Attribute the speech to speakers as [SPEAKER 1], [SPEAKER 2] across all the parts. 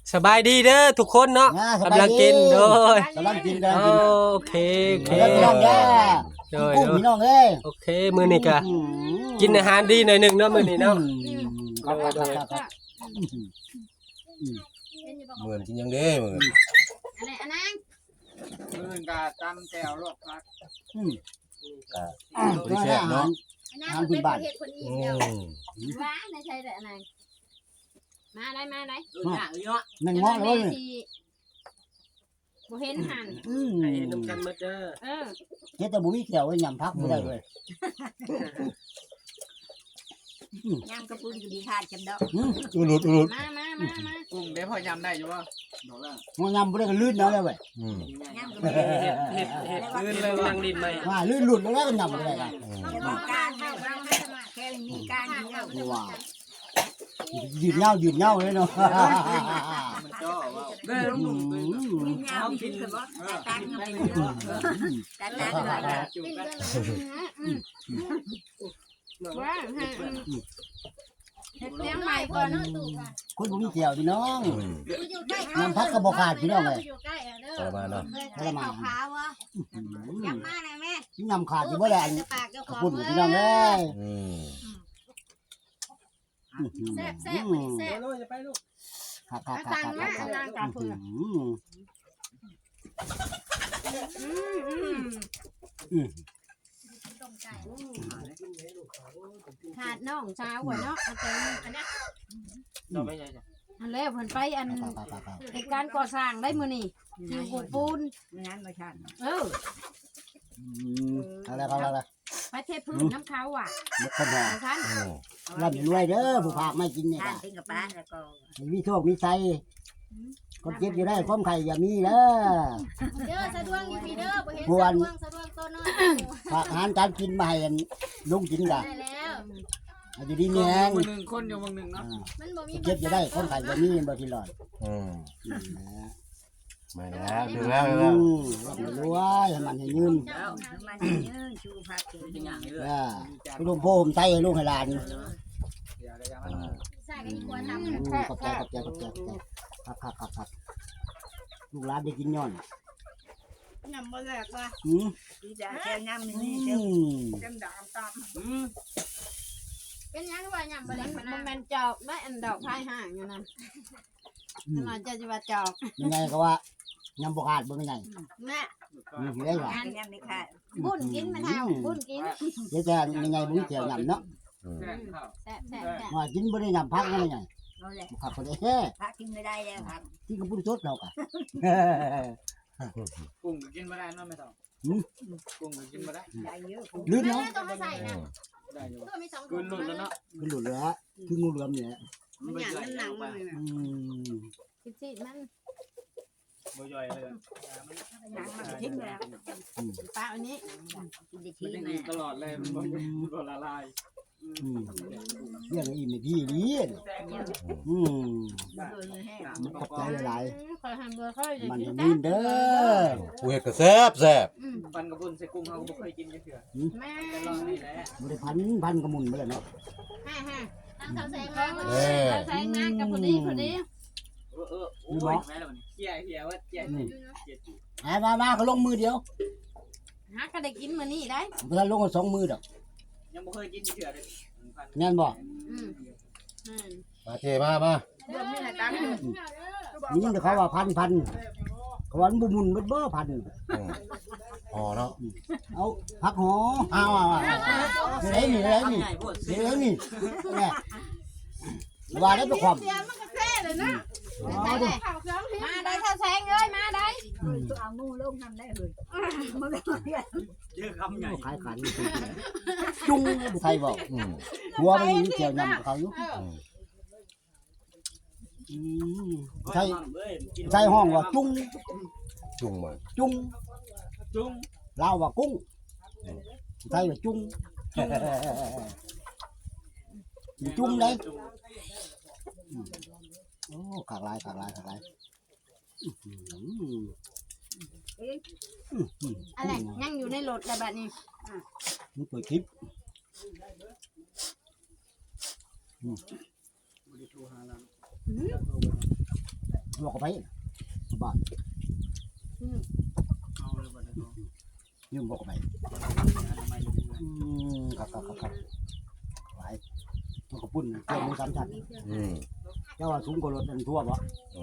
[SPEAKER 1] สบายดีเด้อทุกคนเนาะกำลังกินโดย
[SPEAKER 2] กำลังกินกัน
[SPEAKER 1] โอเคโอเค
[SPEAKER 2] พี่น้องเด้อ
[SPEAKER 1] โดย
[SPEAKER 2] กุ้งพี่น้องเอ้ย
[SPEAKER 1] โอเคมื้อนี้ก็กินอาหารดีหน่อยหนึงเนาะมื้อนี้เนาะ
[SPEAKER 2] ครับ
[SPEAKER 3] เหมือนกินยังเด้เหมือน
[SPEAKER 4] อะไรอันนั้น
[SPEAKER 5] มื้อนกาตำแจ่วลวกผัก
[SPEAKER 3] บริแซ่บเนาะ
[SPEAKER 4] อันนั้นเป็นประเทศคนอี
[SPEAKER 3] อื
[SPEAKER 4] เดียว
[SPEAKER 3] ม
[SPEAKER 4] ว้าในใช่แต่อันนั้นมาได้มาได้
[SPEAKER 5] ดูหนังเนาะ
[SPEAKER 2] นั่งง้อเลย
[SPEAKER 4] บ่เห็นหัน
[SPEAKER 1] ให้นำกันหมดเด้อ
[SPEAKER 2] เจ๊แต่บุ้มีเขียวไว้ยำพักไม่ได้เลย
[SPEAKER 6] ย่างกระปุนก็ดีขาดจำดอก
[SPEAKER 3] อุลุดอุลุด
[SPEAKER 4] มา
[SPEAKER 5] กุ้งได้พอยำได้อยู่บ่บอกแล้ว
[SPEAKER 2] มันยำไม่ได้ก็ลื่นนะเลยเว้ย
[SPEAKER 3] อืม
[SPEAKER 6] ย่างกระปุน
[SPEAKER 1] เฮ็ดลื่นเลยนั่งดินไหม
[SPEAKER 2] ว่าลื่นหลุดแล้วก็ยำไม่ได้กัน
[SPEAKER 6] จะมีการให้เราให้แค่มีการเดียว
[SPEAKER 2] ว้าวยืดเงาเลยเนาะ
[SPEAKER 5] มันจ่อว่า
[SPEAKER 6] มีเงามีคือว่าตั้งไปตั้งไป
[SPEAKER 5] จุ่ม
[SPEAKER 4] ปิ้ง
[SPEAKER 5] กัน
[SPEAKER 4] กันว้าเลี้ยงใหม่ก่อนเนาะตู่ค่ะ
[SPEAKER 2] คุณบุ้มีเขียวพี่น้อง
[SPEAKER 3] อืม
[SPEAKER 4] อยู่ใกล้
[SPEAKER 2] ยำพักกระบอกขาดพี่น้องเลย
[SPEAKER 4] อยู่ใกล้เด้อ
[SPEAKER 3] ทรมานเนาะ
[SPEAKER 4] ขาวขาวอ่ะยังมาหน่อยแม่
[SPEAKER 2] ยำขาดอยู่เมื่อไหร่
[SPEAKER 4] ปากเจ้าข
[SPEAKER 2] ข
[SPEAKER 4] อ
[SPEAKER 2] อบ
[SPEAKER 4] ง
[SPEAKER 2] คุณพี่น้องเลย
[SPEAKER 3] อืม
[SPEAKER 4] แซ่บแซ่บ
[SPEAKER 5] โลจะไปลูก
[SPEAKER 2] ครับ
[SPEAKER 4] สั่งมาสั่งกับเพื่อนขาดน้องสาวกว่าเนาะอันนี้
[SPEAKER 5] เราไม่ใช่จ้ะ
[SPEAKER 4] อันแล้วเพิ่นไปอันในการก่อสร้างได้มื้อนี้ที่ปูปูน
[SPEAKER 6] งานมาชัน
[SPEAKER 2] อะไร
[SPEAKER 4] ไปเทพื้นน้ำเขาอ่ะ
[SPEAKER 2] เด็กคนหอ
[SPEAKER 4] ท่าน
[SPEAKER 3] อืม
[SPEAKER 2] ร่ำรวยเด้อผู้ภาคไม่กินเนี่ย
[SPEAKER 6] ทานเป็นกับป้าแล้วก็
[SPEAKER 2] มีโชคมีชัยคนเจ็บอยู่ได้ความไข่อย่ามีเด้อ
[SPEAKER 4] เด้อสะดวกอยู่พี่เด้อบ่เห็นสะดวกตัวน้อย
[SPEAKER 2] ฝากอาหารการกินมาให้ลุงกินกัน
[SPEAKER 4] ได้แล้ว
[SPEAKER 2] อยู่ดีมีแหง
[SPEAKER 5] มือหนึ่งคนอยู่มือหนึ่งเนาะ
[SPEAKER 4] มันบ่มี
[SPEAKER 2] เจ็บอยู่ได้ความไข่อย่ามีบ่ทีหลอด
[SPEAKER 3] อืมมาแล้วถึงแล้วถึงแล้ว
[SPEAKER 2] รวยให้มันให้ยืน
[SPEAKER 6] แล้วมันยืนชูผักกิน
[SPEAKER 5] เป็นอย่างนี้เลย
[SPEAKER 2] พี่ลุงพ่อผมใส่ให้ลุงให้หลาน
[SPEAKER 5] อย่าเลยอย่า
[SPEAKER 3] อ่า
[SPEAKER 4] ใส่กันดีกว่าท
[SPEAKER 2] ขอบใจครับลูกหลานได้กินย้อน
[SPEAKER 6] ยำบ่แหลกว่ะ
[SPEAKER 2] อืม
[SPEAKER 6] ดีจ้ะแค่ยำนี่
[SPEAKER 2] อืม
[SPEAKER 6] เต็มดอกตาม
[SPEAKER 4] ำเป็นยังว่าหยังบ่ได้มันแม่นจอกได้อันดอกพายห่างอยู่นั่นมันจะสิว่าจอก
[SPEAKER 2] ยังไงก็ว่ายำบกขาดบ่เป็นไง
[SPEAKER 4] แม่
[SPEAKER 2] นี่ได้หรอง
[SPEAKER 6] านยำนี่ค่ะ
[SPEAKER 4] บุญกินมันเฮาบุญกิน
[SPEAKER 2] เดี๋ยวจะยังไงบุ้งเขียวยำเนาะ
[SPEAKER 3] อืม
[SPEAKER 5] แซ่บข้าว
[SPEAKER 4] แซ่บ
[SPEAKER 2] ว่ากินบ่ได้ยำพักนั่นไง
[SPEAKER 6] นั่นแหละ
[SPEAKER 2] ผักคนได้แค่
[SPEAKER 6] ผักกินไม่ได้แล้วครับ
[SPEAKER 2] ที่กระปุ้นสดเรากะ
[SPEAKER 5] กุ้งกินไม่ได้เนาะไม่ต้องกุ้งกินไม่ได้
[SPEAKER 6] ได้เยอะ
[SPEAKER 2] ลื่น
[SPEAKER 4] แม่
[SPEAKER 2] เนาะ
[SPEAKER 4] ต้องมาใส่นะ
[SPEAKER 5] ได้อยู่
[SPEAKER 4] ตัวมี2
[SPEAKER 5] กินหลุดแล้วเนาะ
[SPEAKER 2] คือหลุดเลยฮะคืองูเหลือมเนี่ย
[SPEAKER 5] มันใหญ่มันหนังไป
[SPEAKER 4] สิมัน
[SPEAKER 5] บ่ย่อยเลย
[SPEAKER 6] หนังมันทิ้งแล้ว
[SPEAKER 4] ปลาอันนี้
[SPEAKER 6] กินได้
[SPEAKER 5] มัน
[SPEAKER 6] ทิ้ง
[SPEAKER 5] ยัง
[SPEAKER 6] มา
[SPEAKER 5] ตลอดเลยมันบ่ละลาย
[SPEAKER 2] เรื่องอิ่มในพี่ดีมันขอบใจหลาย
[SPEAKER 4] ขอหันเบอร์ค่อย
[SPEAKER 2] มันจะมีเด้อ
[SPEAKER 3] ผู้เห็ดก็แซ่บแซ่บ
[SPEAKER 5] ปันกระปุนใส่กุ้งเขาก็บ่เคยกินจังเทื่อ
[SPEAKER 4] แม่
[SPEAKER 5] แต่ลองนี่แหละ
[SPEAKER 2] บ่ได้พันกระมุนไปเลยเนาะ
[SPEAKER 4] ตั้งเสาแสงมาแสงมากับพอดี
[SPEAKER 5] โอ้ยแม่แล้วมันเฮียว่าเฮียจุ
[SPEAKER 2] มาเขาลงมือเดียว
[SPEAKER 4] หาก็ได้กินมื้อนี้ได้
[SPEAKER 2] เวลาลงกัน2 มือดอก
[SPEAKER 5] ยังบ่เคยกินจังเทื่อเลย
[SPEAKER 2] แม่นบ่
[SPEAKER 3] มาเจมามา
[SPEAKER 6] เรื่องนี้แหละตั้ง
[SPEAKER 2] นี่แต่เขาว่าพันเขาว่าบุมุนเบ้อพัน
[SPEAKER 3] อืมพอเนาะ
[SPEAKER 2] เอาพักหอเอานี่เนี่ยว่าได้เป็นความ
[SPEAKER 4] เสียมันก็แซ่เลยนะมาได้เท่าแสงเอ้ยมาได้
[SPEAKER 6] ตัวเอางูลงทำได้เลยมันก็เรียก
[SPEAKER 5] เยอะคำใหญ่
[SPEAKER 2] ขายขันจุ้งบุไทยบอก
[SPEAKER 3] อืม
[SPEAKER 2] หัวมันมีเกี่ยวยำเขาอยู่ใช่ห้องว่าจุ้ง
[SPEAKER 3] จุ่มมา
[SPEAKER 2] จุ้ง
[SPEAKER 5] จุ้ง
[SPEAKER 2] ลาวว่ากุ้งไทยว่าจุ้งจุ้งเลยโอ้ขากลาย
[SPEAKER 4] อะไรยังอยู่ในรถแต่บัดนี้
[SPEAKER 2] มันเปิดคลิป
[SPEAKER 5] บ่ได้โทรหาเรา
[SPEAKER 2] บอกไปบ้าน
[SPEAKER 5] เอาเลยบ่ได้ก็
[SPEAKER 2] ยุ่งบอกไป
[SPEAKER 5] ทำไมอยู่ในเงิน
[SPEAKER 2] ครับหลายมันก็ปุ่นเจ้ามือ3ชั้น เจ้าว่าสูงกว่ารถอันทั่วบ่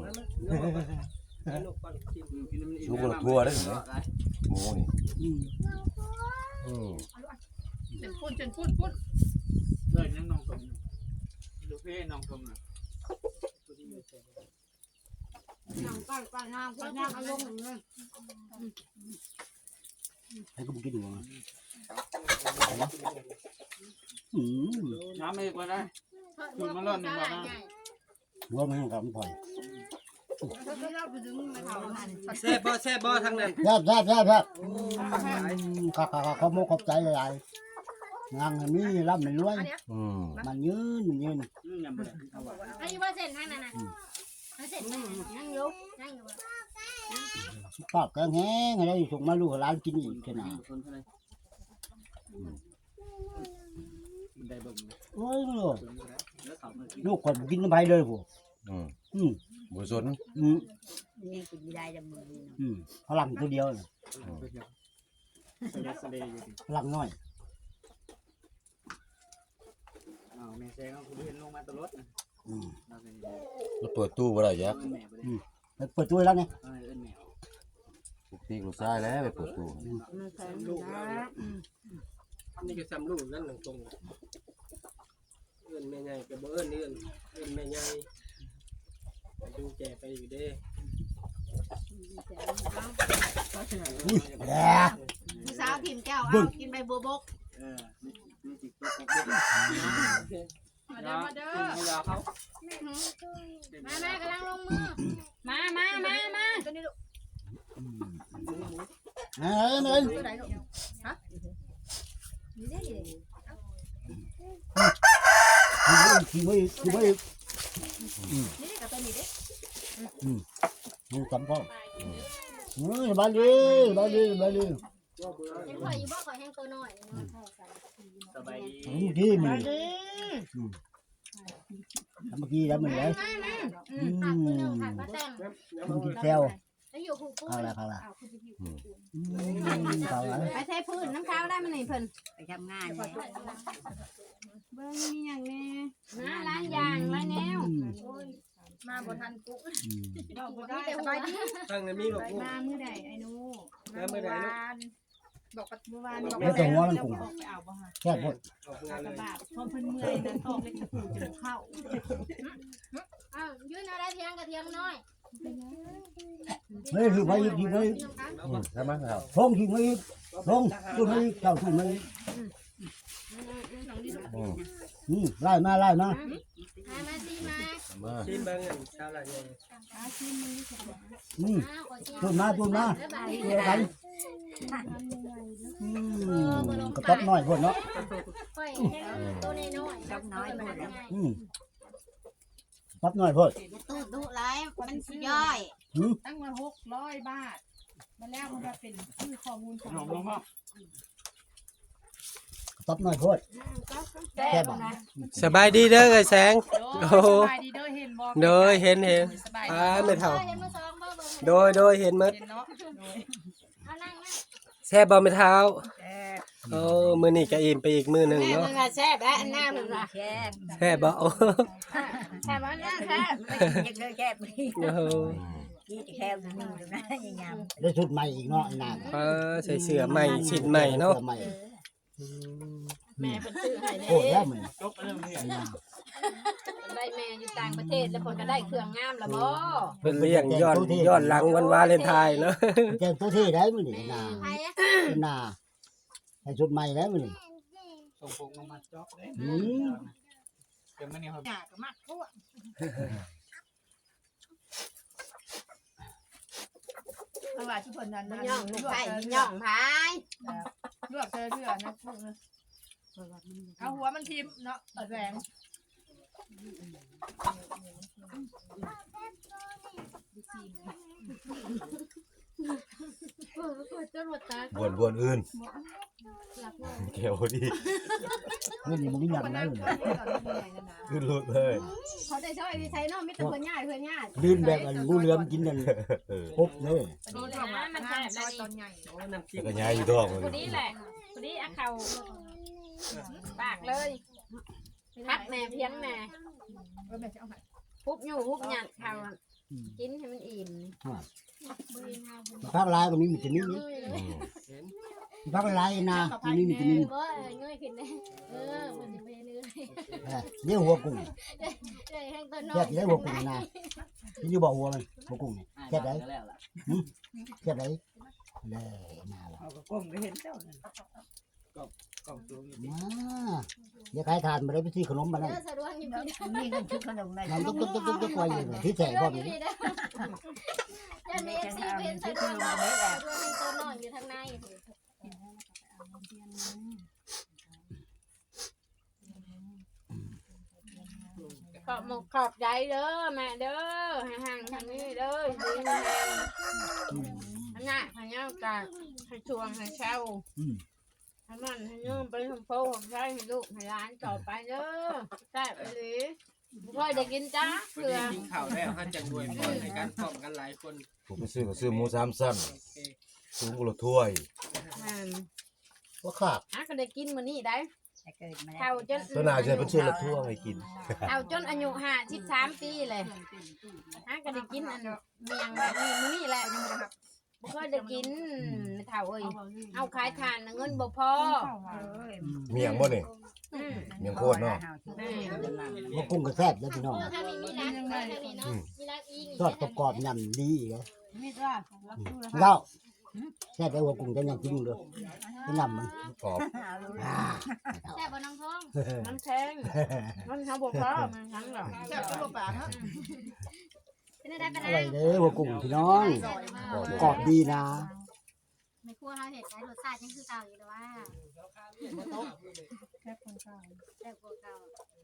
[SPEAKER 3] ลูกทั่วได้ถึงไหมหมูนี่
[SPEAKER 4] เป็นพูด
[SPEAKER 5] เกิดยังน้องสมดูเพ่น้องสมน่ะ
[SPEAKER 4] น้องป้าน้ำป้าน้ำอารมณ์เหมือนกัน
[SPEAKER 2] ให้กูกินหัว
[SPEAKER 5] น้ำไม่ก็ได้
[SPEAKER 2] หัวมันกับมันพอย
[SPEAKER 1] แซ่บบ่ทางนั้น
[SPEAKER 2] แซ่บขอโมขอบใจหลายงานนี้ร่ำไม่รวยมันยืน
[SPEAKER 5] ยังบ่ได้เอาว่า
[SPEAKER 4] อันนี้ว่าเส้นทางนั้นนะเส้นนั่งอยู่
[SPEAKER 2] ปากแกงแห้งอะไรส่งมาลูกร้านกินอีกขนาด
[SPEAKER 5] คนเท่าไหร่ได้เบิ่ง
[SPEAKER 2] โอ้ย
[SPEAKER 5] แล้วสาวมากิน
[SPEAKER 2] ลูกคนกินน้ำไปเลยผู้
[SPEAKER 3] บุษน
[SPEAKER 6] นี่กินไม่ได้ดำมือ
[SPEAKER 2] พลังตัวเดียว
[SPEAKER 5] เสด็จอยู่ดิ
[SPEAKER 2] พลังน้อย
[SPEAKER 5] อ้าวแม่แซงเขาเห็นลงมาตลอดนะเราเป็น
[SPEAKER 3] แล้วเปิดตู้บ่ได้ยัก
[SPEAKER 5] แม่บ่ได้
[SPEAKER 2] เปิดตัวแล้วไง
[SPEAKER 5] เอิ้นแม่
[SPEAKER 3] ปกติลูกชายแล้วไปเปิดตู้
[SPEAKER 6] มันใส่
[SPEAKER 1] ลูก
[SPEAKER 6] นะ
[SPEAKER 1] นี่ก็ซ้ำลูกนั่นตรงเอิ้นแม่ใหญ่ก็บ่เอิ้นแม่ใหญ่ดูแก่ไปอยู่เด้
[SPEAKER 2] แย่
[SPEAKER 4] สาวถิ่มแก้วเอากินใบบัวบก
[SPEAKER 5] นี่จิกตก
[SPEAKER 4] มาเด้อมาเด้อ
[SPEAKER 5] ไม่ยาเขา
[SPEAKER 4] มากำลังลงมือมาตัวนี้ลูก
[SPEAKER 2] เฮ้ย
[SPEAKER 4] ตัวไหนลูกฮะนี่ได้
[SPEAKER 2] ขี้ไม่
[SPEAKER 4] นี่กับตัวนี้เด้
[SPEAKER 2] มึงจำพ่อบ้านดี
[SPEAKER 4] ยังคอยอยู่บ่คอยแห้งตัวน้อย
[SPEAKER 5] สบายดี
[SPEAKER 2] มึงดีมึงเมื่อกี้แล้วมึงเลย
[SPEAKER 4] ขาดตัวนึงขาดมาแต่ง
[SPEAKER 2] มึงกินแซว
[SPEAKER 4] แล้วอยู่คู่
[SPEAKER 2] ข้าวละข้าวละ
[SPEAKER 4] ไปเทพื้นน้ำข้าวได้มันนี่เพิ่น
[SPEAKER 6] ไปทำงาน
[SPEAKER 4] เบิ่งมีอย่างแน่นะร้านยางร้านแนวมาบ่ทันกุ๊กบ่ได้สบายดี
[SPEAKER 1] ทางนั้นมีบอก
[SPEAKER 4] มามื้อใดไอ้หนู
[SPEAKER 1] มาเมื่อใดลูก
[SPEAKER 4] บอกปัดเมื่อวานบอก
[SPEAKER 2] ไม่ต้องหัวมันกุ้ง
[SPEAKER 4] ไปเอาบ่ฮะ
[SPEAKER 2] แค่พด
[SPEAKER 1] ออกงานเลย
[SPEAKER 4] บาทพอเพิ่นเมื่อยนะตอกเล็กตะปูจะเข้าอ้าวยืนอะไรเทียงกับเทียงน้อย
[SPEAKER 2] เฮ้ยคือไปยิงไป
[SPEAKER 3] ใช่ไหมครับ
[SPEAKER 2] ลงยิงไปลงตุ้มไปเจ้าตุ้มไปไล่มา
[SPEAKER 4] มาสิมา
[SPEAKER 3] มา
[SPEAKER 1] ชิมเบิ่งอันชาวละใหญ่
[SPEAKER 2] ตุ้มมาตัวกันกระต๊อบน้อยพวกเนาะ
[SPEAKER 4] ค่อยตัวน้อย
[SPEAKER 6] จับน้อยหมดแล้ว
[SPEAKER 2] ต๊อบน้อยพวก
[SPEAKER 4] ตู้ดุหลายมันสิย่อย
[SPEAKER 7] ตั้งมา600 บาทมาแล้วมันจะเป็นชื่อข้อมูลของ
[SPEAKER 5] ลงมา
[SPEAKER 2] ต๊อบน้อยพวก
[SPEAKER 7] แก้บนะ
[SPEAKER 1] สบายดีเด้อไอ้แสง
[SPEAKER 7] โอ้สบายดีเด้อเห็นบ่
[SPEAKER 1] โดยเห็น
[SPEAKER 7] สบายดี
[SPEAKER 1] ไม่เท่า
[SPEAKER 4] เห็นมาซองบ่เบิ่ง
[SPEAKER 1] โดยเห็นหมด
[SPEAKER 7] เห็นเนาะโดย
[SPEAKER 4] เอานั่ง
[SPEAKER 1] แซ่บบ่ไม่เท่า
[SPEAKER 6] แซ่บ
[SPEAKER 1] โอ้มื้อนี้ก็อิ่มไปอีกมื้อหนึง
[SPEAKER 4] แม่
[SPEAKER 1] เนาะ
[SPEAKER 4] มึงอะแซ่บแล้วอันหน้ามึงอะ
[SPEAKER 6] แซ่บ
[SPEAKER 1] แซ่บบ่โอ้
[SPEAKER 4] แซ่บอันนั้นแซ่บ
[SPEAKER 6] ไม่กินยังแซ่บนี่
[SPEAKER 1] โห
[SPEAKER 6] นี่จะแซ่บนึงดูนะยังยำ
[SPEAKER 2] ได้ชุดใหม่อีกเนาะไอ้นาง
[SPEAKER 1] ใส่เสื้อใหม่ชิ้นใหม่เนาะ
[SPEAKER 4] แม่เป็นซื้อให้
[SPEAKER 2] โอ้แล้วมึง
[SPEAKER 5] จบเรื่องนี้
[SPEAKER 2] ไอ้นาง
[SPEAKER 4] ได้แม่อยู่ต่างประเทศแล้วคนก็ได้เครื่องงามละบ่
[SPEAKER 1] เพิ่นเลี้ยงย้อนหลังวันวาเลนไทน์เนาะ
[SPEAKER 2] เจ้าตัวที่ได้มึงนี่นา
[SPEAKER 4] ใครอะ
[SPEAKER 2] นาให้ชุดใหม่แล้วมึงนี่
[SPEAKER 5] ส่งพงลงมาจบเลยเดี๋ยวมันนี่ครับ
[SPEAKER 7] หยาก็มากทั่วเพราะว่าที่เพิ่นนั้น
[SPEAKER 4] มันย่องลูกไผ่ย่องพาย
[SPEAKER 7] ลวกเธอเพื่อนะพวกนะเอาหัวมันทิ่มเนาะตัดแหวง
[SPEAKER 4] จนหมดตา
[SPEAKER 3] บวนอื่น
[SPEAKER 4] หลับ
[SPEAKER 3] เกี่ยวดี
[SPEAKER 2] มึงนี่มึงนี่ยัน
[SPEAKER 7] มัน
[SPEAKER 2] ได้
[SPEAKER 7] นั่ง
[SPEAKER 2] มึง
[SPEAKER 7] ตอนนี้ใหญ่กันนะ
[SPEAKER 3] ขึ้นรถเลย
[SPEAKER 7] เขาได้ชอบ
[SPEAKER 4] อ้ยใช้น้องมิตรเพื่อนญาติเพื่อนญาติ
[SPEAKER 2] ลื่นแบบงูเหลือมกินนั่นครบเลย
[SPEAKER 7] นี่แหละมันแซ่บแล้วตอนใหญ่
[SPEAKER 1] โอ้น้ำจิ้ม
[SPEAKER 3] ก็ย้ายอยู่ท้อง
[SPEAKER 4] คนนี้แหละคนนี้เอาเข่าปากเลยพักแม่เพียงแม่
[SPEAKER 7] แม่จะเอาให้
[SPEAKER 4] พุบอยู่พุบหยัดเข่ากินให้มันอิ่ม
[SPEAKER 2] ภาคลายก็มีวิตามินนี่
[SPEAKER 1] เห็น
[SPEAKER 2] ภาคลายนะมีวิตามิน
[SPEAKER 4] เว้ยเงยขึ้นเลยมันจะเป็นเนื้อ
[SPEAKER 2] เลี้ยงหัวกุ้ง
[SPEAKER 4] เลยแห้งตัวน้อ
[SPEAKER 2] แค่
[SPEAKER 4] ย
[SPEAKER 2] เลี้ยงหัวกุ้งนะที่อยู่บ่หัวมันหัวกุ้งนี่แค่ไหนแค่ไหนเลยน่าละ
[SPEAKER 6] เอาก็ก้มก็เห็นเจ้านั่น
[SPEAKER 5] กล่องตัวนี้
[SPEAKER 2] อย่าขายทานมาได้ไปซื้อขนมมานั่น
[SPEAKER 4] สะดวกอยู่พี่
[SPEAKER 6] มีเงินชุดขนมได้
[SPEAKER 2] มันตุ๊กไว้อยู่ที่แฉบ่มี
[SPEAKER 4] ยันมีเอฟซีเป็นสะดวกสะดวกตัวน้อยอยู่ทางในขอบหมกขอบใจเด้อแม่เด้อห่างๆทางนี้เด้อดีแม่อันน่ะพญากาให้ชวงให้เช่าให้มันให้ยืมไปทำโพของใช้ให้ลูกให้ร้านต่อไปเด้อแซ่บไปเลยบ่ได้กินจ้า
[SPEAKER 1] วัน
[SPEAKER 4] เถื่อ
[SPEAKER 1] นี้กินข้าวแล้วท่านจะรวยพรในการพร้อมกันหลายคน
[SPEAKER 3] ผมไปซื้อก็ซื้อหมู3สั้น
[SPEAKER 1] โอเค
[SPEAKER 3] สูงกว่าถ้วย
[SPEAKER 2] ว่าขาด
[SPEAKER 4] ก็ได้กินมื้อนี้ได้
[SPEAKER 6] แต่เกิดมาแล้ว
[SPEAKER 4] เท่าจน
[SPEAKER 3] ตัวหน้าจะเป็นชื่อละถ้วยให้กิน
[SPEAKER 4] เอาจนอายุ53ปีเลยก็ได้กินอันเมียงแบบนี้มื้อนี้แหละบ่ค่อยได้กินเท่าเอ้ยเอาขายทานเงินบ่พอ
[SPEAKER 3] เมียงบ่นี่เมียงโคตรเนาะ
[SPEAKER 2] หัวกุ้งก็แซ่บแล้วพี่น้อง
[SPEAKER 4] ถ้ามีร้านทางนี้เนาะมีร้านอีก
[SPEAKER 2] ทอดกรอบๆยำดีเลย
[SPEAKER 6] มีจ้า
[SPEAKER 2] แล้วแซ่บได้หัวกุ้งจะยังกินเลยเป็นยำมัน
[SPEAKER 3] กรอบ
[SPEAKER 4] แซ่บบ่น้องทอง
[SPEAKER 7] มันแข็งมันทำบอกว่ามันทั้งหรอแซ่บตัวปากฮะ
[SPEAKER 4] เป็นได้เป็น
[SPEAKER 2] อ
[SPEAKER 4] ได้
[SPEAKER 2] ร่อยเลยหัวกุ้งพี่น้องกรอบดีนะ
[SPEAKER 4] ไม่ครัวเฮาเฮ็ดได้รสชาติยังคือเก่าอยู่แต่ว่า
[SPEAKER 7] แค่คนเก่า
[SPEAKER 4] แซ่บกว่าเก่า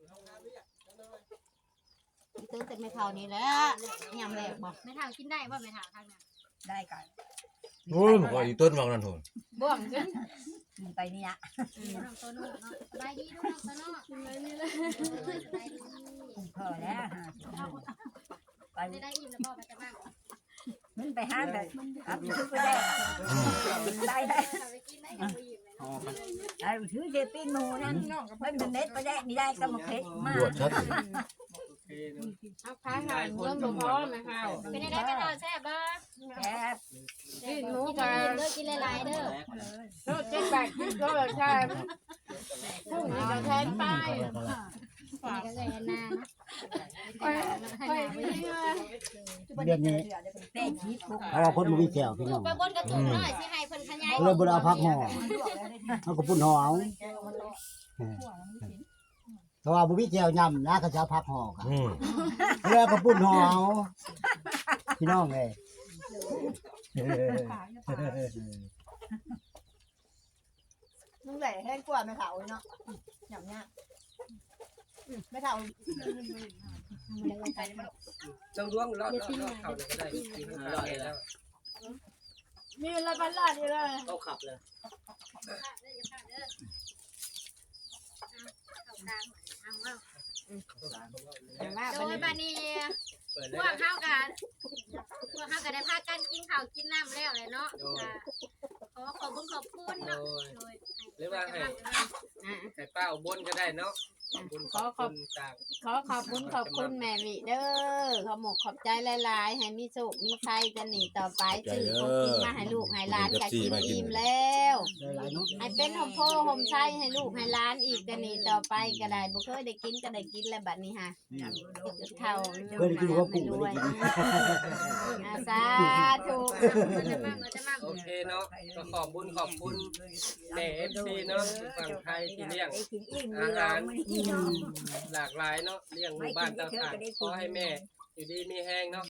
[SPEAKER 4] ตื่นแต่ไม่เท่านี้แหละยำแรกบ่ไม่เท่ากินได้บ่ไม่เท่าทางนั้น
[SPEAKER 6] ได้ก่อน
[SPEAKER 3] โอ้ยมันก็อยู่ต้นบางนั่นโหน
[SPEAKER 4] บ่วงจน
[SPEAKER 6] มีไปนี่อ่ะ
[SPEAKER 4] น้องโตโน่เนาะสบายดีลูกน้องโตโน่สบายดีเลยสบายดี
[SPEAKER 6] พอแล้วไป
[SPEAKER 4] ได้อิ่มแล้วบ่ไปจะบ้าน
[SPEAKER 6] มันไปห้างเลยครับถือไปได้ได้ได้
[SPEAKER 4] ไปกินได้กับอิ่มเลยเนาะ
[SPEAKER 6] ได้ถือเจปิ้นหมูนั่นมันเป็นเม็ดไปได้นี่ได้ก็มาเค็กมา
[SPEAKER 3] ตรวจชัด
[SPEAKER 1] โอเคเนาะ
[SPEAKER 4] เอาค้าหารเงินบ่พอแม่เฮาเป็นได้เป็นเอาแซ่บบ่
[SPEAKER 6] แซ่บ
[SPEAKER 4] กินหมูกันเด้อกินหลายๆเด้อ
[SPEAKER 7] โน้ตเจ็ดแปดกินก็แบบใช่พุ่งนี่ก็แทนไป
[SPEAKER 4] นี่ก็เลยนานะ
[SPEAKER 7] ไปนี่เลย
[SPEAKER 2] เดือนนี้
[SPEAKER 6] เต้ชีสคุก
[SPEAKER 2] เอาว่าคนมันมีแก้วพี่น้อง
[SPEAKER 4] ไปบนกระตุกหน่อยสิให้เพิ่นขยาย
[SPEAKER 2] เลยบ่ได้เอาพักห่อเอาก็ปุ่นห่อเอาเพราะว่าบ่มีแก้วยำนะเขาจะเอาพักห่อกัน แล้วก็ปุ่นห่อเอาพี่น้องเอ้ย
[SPEAKER 7] มึงแหล่แห้งกว่าไม่เถาเนาะอย่างเงี้ยไม่เถา
[SPEAKER 1] ต้องล้วงรอดเข้าเลยก็ได้กินข้าวแล้ว
[SPEAKER 7] มีอะไรบ้านลาดนี่เลย
[SPEAKER 1] เข้าขับเลย
[SPEAKER 4] โดยบัดนี้
[SPEAKER 1] เปิด
[SPEAKER 4] พ
[SPEAKER 1] ได้
[SPEAKER 4] วกเฮากันได้พากันกินข้าวกินน้ำแล้วเลยเนาะขอขอบคุณเนาะโดย
[SPEAKER 1] หรือว่าให้ป้าบนก็ได้เนาะขอบคุณต่าง
[SPEAKER 4] ขอขอบคุณแม่วิเด้อขอหมกขอบใจหลายๆให้มีสุขมีชัยจะหนีต่อไปซื้อของกินมาให้ลูกให้หลานก็กินอิ่มแล้ว
[SPEAKER 2] หลายๆเนาะ
[SPEAKER 4] ให้เป็นหอมโพหอมไส้ให้ลูกให้หลานอีกจะหนีต่อไปก็ได้บ่เคยได้กินก็ได้กินแล้วบัดนี้ฮะเท่า
[SPEAKER 2] เคยได้กินหัวกุ้งบ่ได้กิน
[SPEAKER 4] อาสาธุจะมั่ง
[SPEAKER 1] โอเคเนาะก็ขอบคุณแม่FC เนาะฝั่งไทยที่เลี้ยง
[SPEAKER 6] ไอ้กินอิ่ม
[SPEAKER 1] อา
[SPEAKER 6] เล
[SPEAKER 1] หาร
[SPEAKER 6] ย
[SPEAKER 1] หลากหลายเนาะเลี้ยงหมู่บ้านต่างๆขอให้แม่อยู่ดีมีแห้งเนาะ